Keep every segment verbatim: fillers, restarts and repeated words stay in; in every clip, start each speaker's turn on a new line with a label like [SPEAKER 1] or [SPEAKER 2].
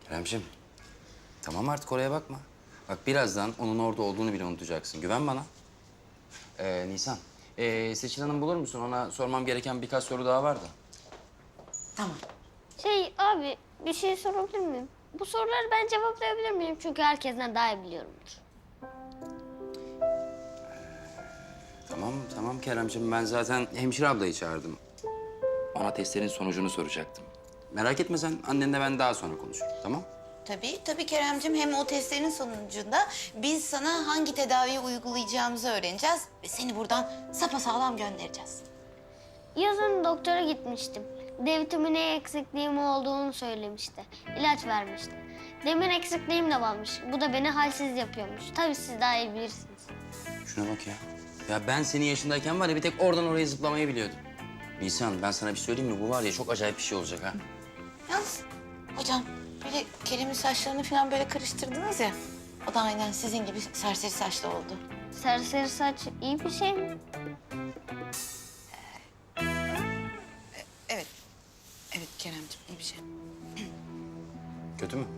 [SPEAKER 1] Keremciğim, tamam artık oraya bakma. Bak birazdan onun orada olduğunu bile unutacaksın. Güven bana. Ee, Nisan, ee, Seçil Hanım bulur musun? Ona sormam gereken birkaç soru daha var da.
[SPEAKER 2] Tamam.
[SPEAKER 3] Şey abi bir şey sorabilir miyim? Bu soruları ben cevaplayabilir miyim? Çünkü herkesten daha iyi biliyorumdur.
[SPEAKER 1] Tamam, tamam Keremciğim. Ben zaten hemşire ablayı çağırdım. Ona testlerin sonucunu soracaktım. Merak etme sen, annenle ben daha sonra konuşurum, tamam?
[SPEAKER 2] Tabii, tabii Keremcim. Hem o testlerin sonucunda biz sana hangi tedaviyi uygulayacağımızı öğreneceğiz ve seni buradan sapasağlam göndereceğiz.
[SPEAKER 3] Yazın doktora gitmiştim. D vitamini eksikliğim olduğunu söylemişti. İlaç vermişti. Demir eksikliğim de varmış. Bu da beni halsiz yapıyormuş. Tabii siz daha iyi bilirsiniz.
[SPEAKER 1] Şuna bak ya. Ya ben senin yaşındayken var ya bir tek oradan oraya zıplamayı biliyordum. Nisan, ben sana bir söyleyeyim mi? Bu var ya çok acayip bir şey olacak ha.
[SPEAKER 2] Yalnız hocam böyle Kerem'in saçlarını falan böyle karıştırdınız ya. O da aynen sizin gibi serseri saçlı oldu.
[SPEAKER 3] Serseri saç iyi bir şey mi?
[SPEAKER 2] Evet. Evet Kerem'cim iyi bir şey.
[SPEAKER 1] Kötü mü?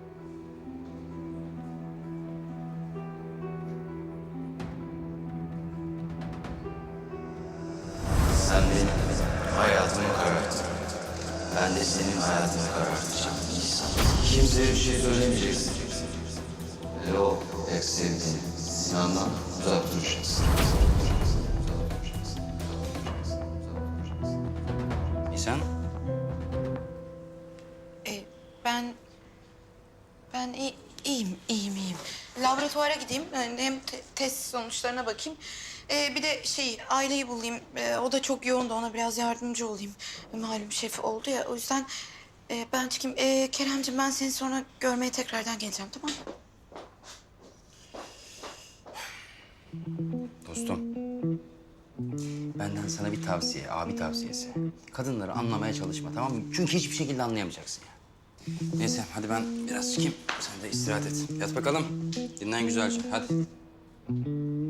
[SPEAKER 1] Sen benim hayatımı kararttın. Ben de senin hayatını karartacağım Nisan. Kimseye bir şey söylemeyeceksin. Ve o pek sevdiğin Sinan'dan uzak duracaksın. Nisan?
[SPEAKER 2] Ee, ben... Ben iyi, iyiyim, iyiyim, iyiyim. Laboratuvara gideyim, yani hem te- test sonuçlarına bakayım. Ee, bir de şey, aileyi bulayım. Ee, o da çok yoğun da ona biraz yardımcı olayım. Malum şefi oldu ya, o yüzden e, ben çıkayım. Ee, Keremciğim ben seni sonra görmeye tekrardan geleceğim, tamam mı?
[SPEAKER 1] Dostum, benden sana bir tavsiye, abi tavsiyesi. Kadınları anlamaya çalışma, tamam mı? Çünkü hiçbir şekilde anlayamayacaksın ya. Neyse, hadi ben biraz çıkayım. Sen de istirahat et. Yat bakalım. Dinlen güzelce, hadi.